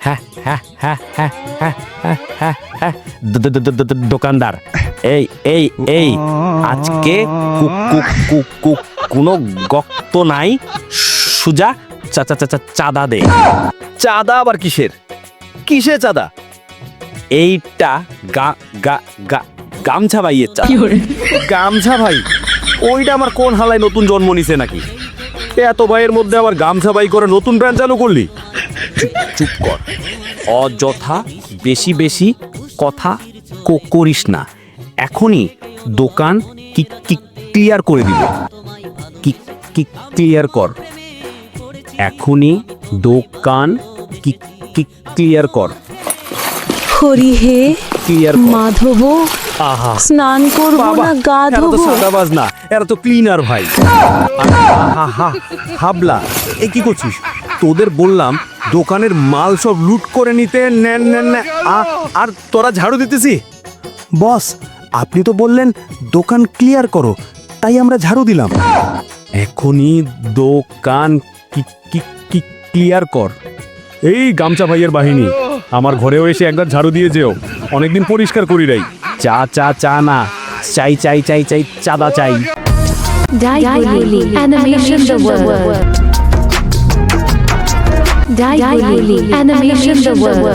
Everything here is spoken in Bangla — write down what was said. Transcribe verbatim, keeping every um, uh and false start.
হ্যাঁ হ্যাঁ হ্যাঁ হ্যাঁ হ্যাঁ হ্যাঁ হ্যাঁ হ্যাঁ দ- দ- দ- দ- দ- দোকানদার এই এই এই আজকে কু- কু- কু- কু- কোনো গক্ত নাই, সুজা চা চা চা চা- চাঁদা দে। চাঁদা আবার কিসের? কিসে চাঁদা? এইটা গা গা গা গামছা ভাইয়ের চাঁদা। গামছা ভাই? ওইটা আমার কোন হালায় নতুন জন্ম নিছে নাকি? এত ভাইয়ের মধ্যে আবার গামছা ভাই করে নতুন ব্র্যান্ড চালু করলি? চুপ কর, অযথা বেশি বেশি কথা ক- করিস না। এখনই দোকান কি কি ক্লিয়ার করে দিব। কি কি ক্লিয়ার কর, এখনই দোকান কি কি ক্লিয়ার কর, হরি হে ক্লিয়ার কর। মাধব, আহা স্নান করবো না গা এরা তো ধোবো? সাদাবাজ না, এরা তো ক্লিনার ভাই। আহা, হা, হাবলা এ কি করছিস? তোদের বললাম দোকানের মাল সব লুট করে নিতে, নেন নেন না, আ- আর তোরা ঝাড়ু দিতেছি। বস, আপনি তো বললেন দোকান ক্লিয়ার করো, তাই আমরা ঝাড়ু দিলাম। এখনই দোকান কি কি কি ক্লিয়ার কর। এই গামছা ভাইয়ের বাহিনী, আমার ঘরেও এসে একবার ঝাড়ু দিয়ে যেও, অনেকদিন পরিষ্কার করি নাই। চা চা চা না, চাই চাই চাই চাই চাঁদা চাই। Daiguli Animation the World. Daiguli Animation the World.